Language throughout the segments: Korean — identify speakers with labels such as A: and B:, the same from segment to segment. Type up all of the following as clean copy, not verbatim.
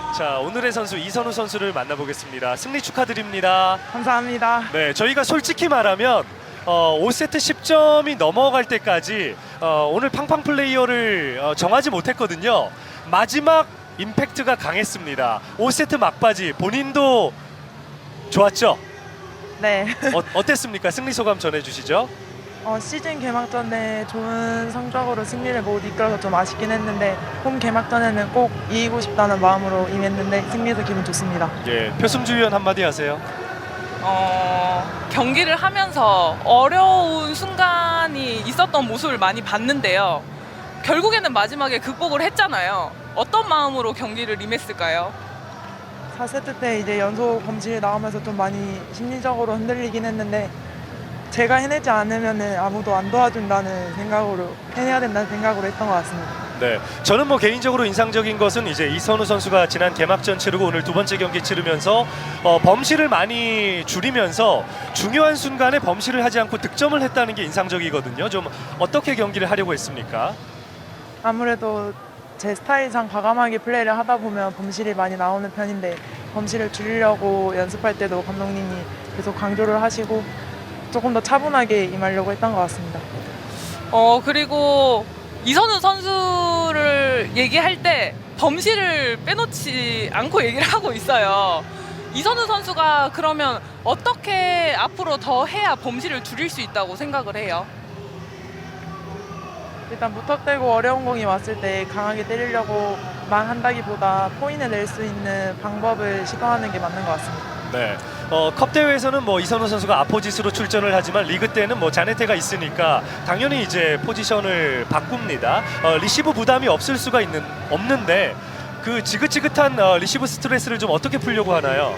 A: 자, 오늘의 선수 이선우 선수를 만나보겠습니다. 승리 축하드립니다.
B: 감사합니다.
A: 네, 저희가 솔직히 말하면 5세트 10점이 넘어갈 때까지 오늘 팡팡 플레이어를 정하지 못했거든요. 마지막 임팩트가 강했습니다. 5세트 막바지 본인도 좋았죠?
B: 네.
A: 어땠습니까? 승리 소감 전해주시죠.
B: 시즌 개막전에 좋은 성적으로 승리를 못 이끌어서 좀 아쉽긴 했는데 홈 개막전에는 꼭 이기고 싶다는 마음으로 임했는데 승리해서 기분 좋습니다.
A: 예, 표승주 위원 한마디 하세요.
C: 경기를 하면서 어려운 순간이 있었던 모습을 많이 봤는데요. 결국에는 마지막에 극복을 했잖아요. 어떤 마음으로 경기를 임했을까요?
B: 4세트 때 이제 연속 범실이 나오면서 좀 많이 심리적으로 흔들리긴 했는데 제가 해내지 않으면 아무도 안 도와준다는 생각으로 해내야 된다는 생각으로 했던 것 같습니다.
A: 네, 저는 뭐 개인적으로 인상적인 것은 이제 이선우 선수가 지난 개막전 치르고 오늘 두 번째 경기 치르면서 범실을 많이 줄이면서 중요한 순간에 범실을 하지 않고 득점을 했다는 게 인상적이거든요. 좀 어떻게 경기를 하려고 했습니까?
B: 아무래도 제 스타일상 과감하게 플레이를 하다 보면 범실이 많이 나오는 편인데 범실을 줄이려고 연습할 때도 감독님이 계속 강조를 하시고 조금 더 차분하게 임하려고 했던 것 같습니다.
C: 그리고 이선우 선수를 얘기할 때 범실을 빼놓지 않고 얘기를 하고 있어요. 이선우 선수가 그러면 어떻게 앞으로 더 해야 범실을 줄일 수 있다고 생각을 해요?
B: 일단 무턱대고 어려운 공이 왔을 때 강하게 때리려고만 한다기보다 포인을 낼 수 있는 방법을 시도하는 게 맞는 것 같습니다.
A: 네. 컵 대회에서는 뭐 이선우 선수가 아포짓으로 출전을 하지만 리그 때는 뭐 자네테가 있으니까 당연히 이제 포지션을 바꿉니다. 리시브 부담이 없을 수가 없는데 그 지긋지긋한 리시브 스트레스를 좀 어떻게 풀려고 하나요?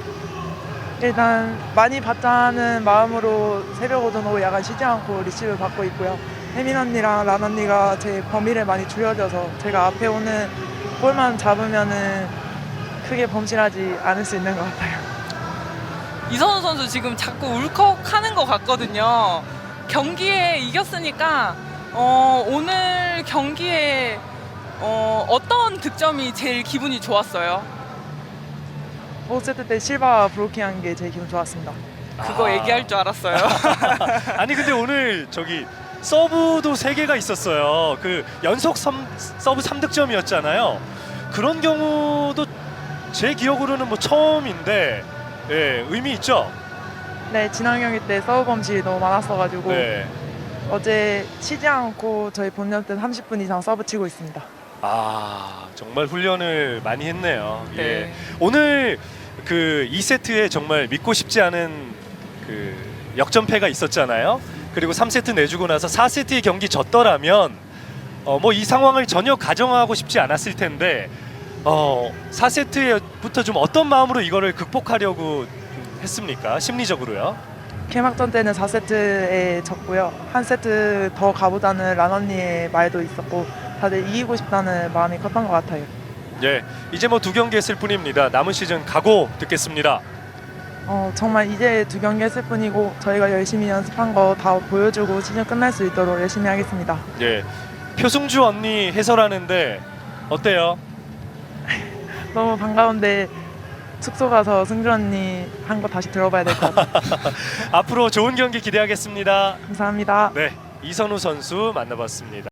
B: 일단 많이 받자는 마음으로 새벽 오전 오후 야간 쉬지 않고 리시브 받고 있고요. 혜민 언니랑 란 언니가 제 범위를 많이 줄여줘서 제가 앞에 오는 볼만 잡으면은 크게 범실하지 않을 수 있는 것 같아요.
C: 이선우 선수 지금 자꾸 울컥하는 것 같거든요. 경기에 이겼으니까 오늘 경기에 어떤 득점이 제일 기분이 좋았어요?
B: 5세트 때 실바 브로킹한 게 제일 기분 좋았습니다.
C: 그거 얘기할 줄 알았어요.
A: 아니 근데 오늘 저기 서브도 3개가 있었어요. 그 연속 서브 3득점이었잖아요. 그런 경우도 제 기억으로는 뭐 처음인데 예, 의미 있죠?
B: 네, 지난 경기 때 서브 범실이 너무 많았어가지고
A: 네.
B: 어제 쉬지 않고 저희 본연 때 30분 이상 서브 치고 있습니다.
A: 아, 정말 훈련을 많이 했네요.
C: 네.
A: 예. 오늘 그 2세트에 정말 믿고 싶지 않은 그 역전패가 있었잖아요. 그리고 3세트 내주고 나서 4세트의 경기 졌더라면 뭐 이 상황을 전혀 가정하고 싶지 않았을 텐데 4세트부터 좀 어떤 마음으로 이거를 극복하려고 했습니까? 심리적으로요?
B: 개막전 때는 4세트에 졌고요. 한 세트 더 가보자는 란 언니의 말도 있었고 다들 이기고 싶다는 마음이 컸던 것 같아요.
A: 예, 이제 뭐 2경기 했을 뿐입니다. 남은 시즌 각오 듣겠습니다.
B: 정말 이제 2경기 했을 뿐이고 저희가 열심히 연습한 거 다 보여주고 시즌 끝날 수 있도록 열심히 하겠습니다.
A: 예, 표승주 언니 해설하는데 어때요?
B: 너무 반가운데 숙소 가서 승주 언니 한 거 다시 들어봐야 될 것 같아요.
A: 앞으로 좋은 경기 기대하겠습니다.
B: 감사합니다.
A: 네, 이선우 선수 만나봤습니다.